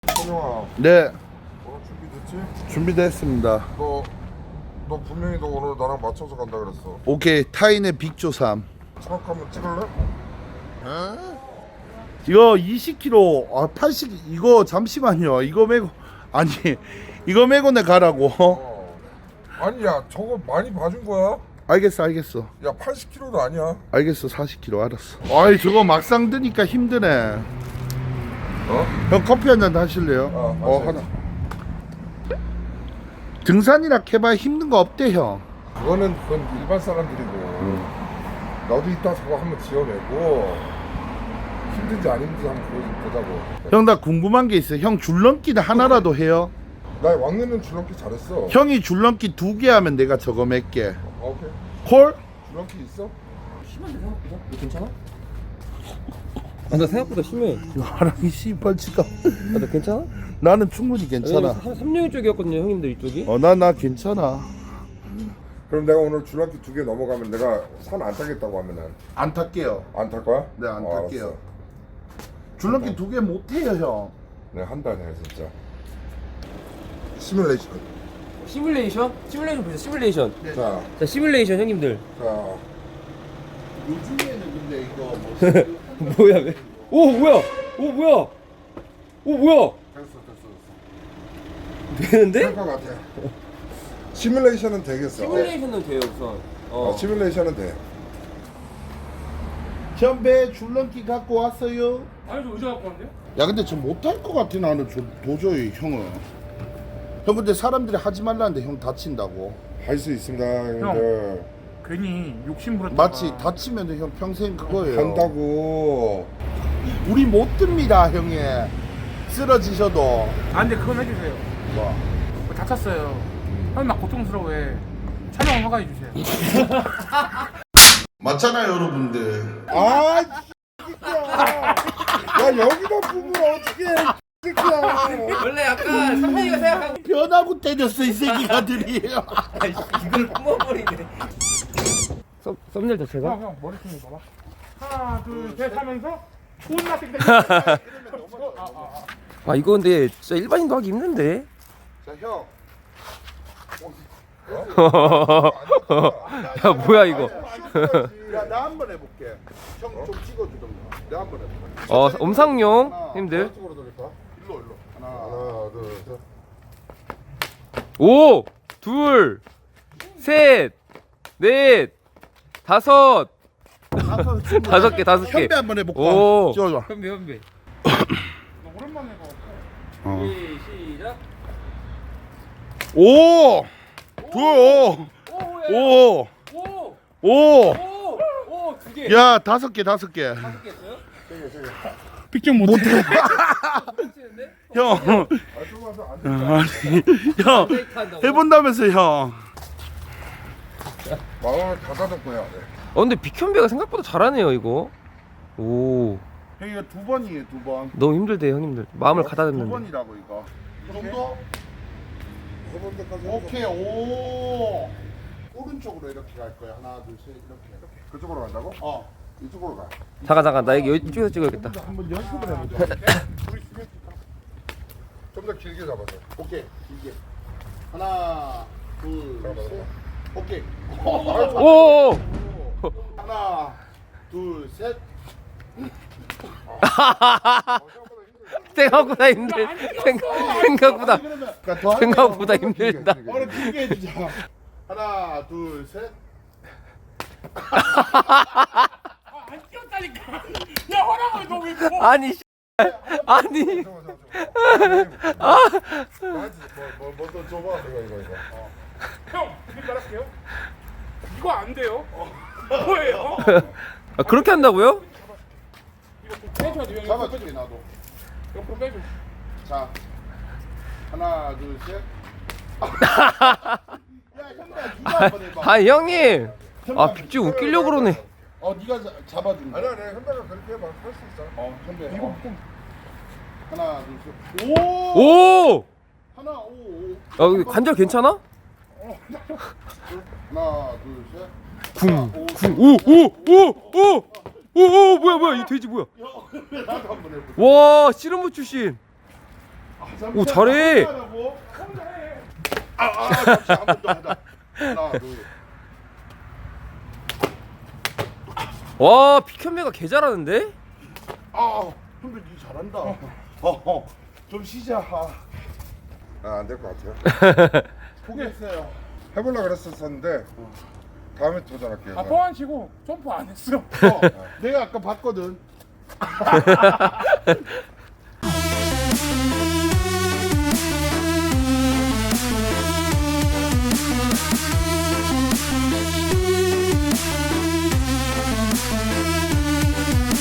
선영아, 네, 오늘 준비됐지? 준비됐습니다. 너 분명히 너 오늘 나랑 맞춰서 간다 그랬어. 오케이, 타인의 빅조삼. 차박 한번 찍을래? 이거 20kg, 80, 이거 잠시만요. 이거 메고, 아니, 이거 메고 내 가라고. 아니 야 저거 많이 봐준 거야? 알겠어. 야 80kg도 아니야. 알겠어, 40kg 알았어. 아이, 저거 막상 드니까 힘드네. 형 커피 한잔 하실래요? 마셔야지. 하나. 등산이라 해봐야 힘든 거 없대, 형. 그건 일반 사람들이고. 나도 이따 저거 한번 지어내고 힘든지 안 힘든지 한번 보자고. 형, 나 궁금한 게 있어. 형 줄넘기는 하나라도 해요? 나 왕래는 줄넘기 잘했어. 형이 줄넘기 2개 하면 내가 저거 몇 개. 오케이. 콜? 줄넘기 있어? 심한데 생각보다? 이거 괜찮아? 나 생각보다 심해. 나랑 씨발치가. 나 괜찮아? 나는 충분히 괜찮아. 3령 쪽이었거든요 형님들 이쪽이. 나 괜찮아. 그럼 내가 오늘 줄넘기 2개 넘어가면 내가 산 안 타겠다고 하면은 안 탈게요. 안 탈 거야? 네, 안 알았어. 탈게요. 줄넘기 2개 못 해요, 형. 내가 한다 내가 진짜. 시뮬레이션. 시뮬레이션 보세요. 시뮬레이션. 네. 자, 자 시뮬레이션 형님들. 자. 요즘에는 근데 이거 뭐 뭐야 왜? 오 뭐야? 오 뭐야? 오 뭐야? 됐어. 되는데? 될 것 같아. 시뮬레이션은 되겠어. 시뮬레이션은 돼요 우선. 시뮬레이션은 돼. 현배 줄넘기 갖고 왔어요. 아니 저 의자 갖고 왔는데요? 야, 근데 저 못할 것 같아, 나는 도저히 형은. 형, 근데 사람들이 하지 말라는데 형 다친다고. 할 수 있습니다, 형님들. 괜히 욕심 부렸다가 마치 다치면 형 평생 그거예요. 한다고. 우리 못 듭니다, 형이. 쓰러지셔도. 아 근데 그건 해주세요. 뭐. 뭐 다쳤어요. 형님 막 고통스러워해. 촬영 허가해 주세요. 맞잖아요, 여러분들. 아, 진짜. 야, 여기다 부으면 어떡해. 새끼야. 원래 약간 선생이가 생각하고 변하고 때렸어, 이 새끼가들이. 이걸 뿜어버리네. 썸네일 자체가? 형 머리 좀 봐봐. 하나 둘 셋 하면서 존나 땡땡. 아 이거 근데 진짜 일반인도 하기 힘든데. 자, 형. 야 뭐야 이거? 야, 나 한 번 해볼게. 형 좀 찍어주던가. 내가 한 번 해볼게. 엄상용 형님들. 이쪽으로 돌릴까? 일로. 하나. 하나, 둘, 셋. 5, 2, 셋, 넷, 다섯. 다섯 개. 현배 한번 해볼까? 오. 찍어줘. 현배. 너 오랜만에 봐. 어. 시작. 오! 오! 오! 오, 오! 오, 두 개. 야, 5개. 다섯 개 했어요? 픽좀 못해. 치는데? 형. 아, 조금만 더 앉아. 아니, 형. 해본다면서, 형. 마음을 닫아놓고야 돼. 근데 빅현배가 생각보다 잘하네요 이거. 오, 형, 이거 2번이에요, 2번. 너무 힘들대요 형님들. 마음을 가다듬는데. 2번이라고, 이거. 이 정도? 해본 데까지 해서. 오케이, 오. 오른쪽으로 이렇게 갈 거야. 하나, 둘, 셋, 이렇게. 그쪽으로 간다고? 이쪽으로 가. 잠깐 나 이쪽에서 찍어야겠다. 한번 연습을 해보자. 좀 더 길게 잡아서. 오케이, 이게. 하나, 둘, 셋. 오케이. 오, 하나, 둘, 셋. 생각보다 힘들. 생각보다 힘들다. 오늘 길게 해주자. 하나, 둘, 셋. 안 뛰었다니까. 야 허락을 너왜 뭐? 아니, 아니. 뭐또 줘봐. 이거. 형 지금 말할게요. 이거 안 돼요. 뭐예요? 아, 그렇게 한다고요? 이거 좀 빼줘야 돼요. 잡아줄게, 나도. 옆으로 빼줘. 자, 하나, 둘, 셋. 야, 형님, 누가 한번 해봐. 아 형님. 아 빅주 웃기려고 그러네. 네가 잡아준다. 아니야, 현다가 그렇게 해봐. 할 수 있어. 현배. 이거 좀 하나, 둘, 셋. 오! 오. 하나, 오. 아 관절 괜찮아? 하나, 둘, 셋. 오 뭐야 이 돼지 뭐야? 나도 한번 해보자. 와 씨름부 출신. 오, 잘해. 그렇지. 한 번 더 하자. 하나, 둘. 와, 피켄메가 개 잘하는데? 근데 니 잘한다. 좀 쉬자. 안 될 것 같아요. 포기했어요. 해보려고 그랬었는데 다음에 도전할게요. 아 뻥안 치고 점프 안 했어. 내가 아까 봤거든.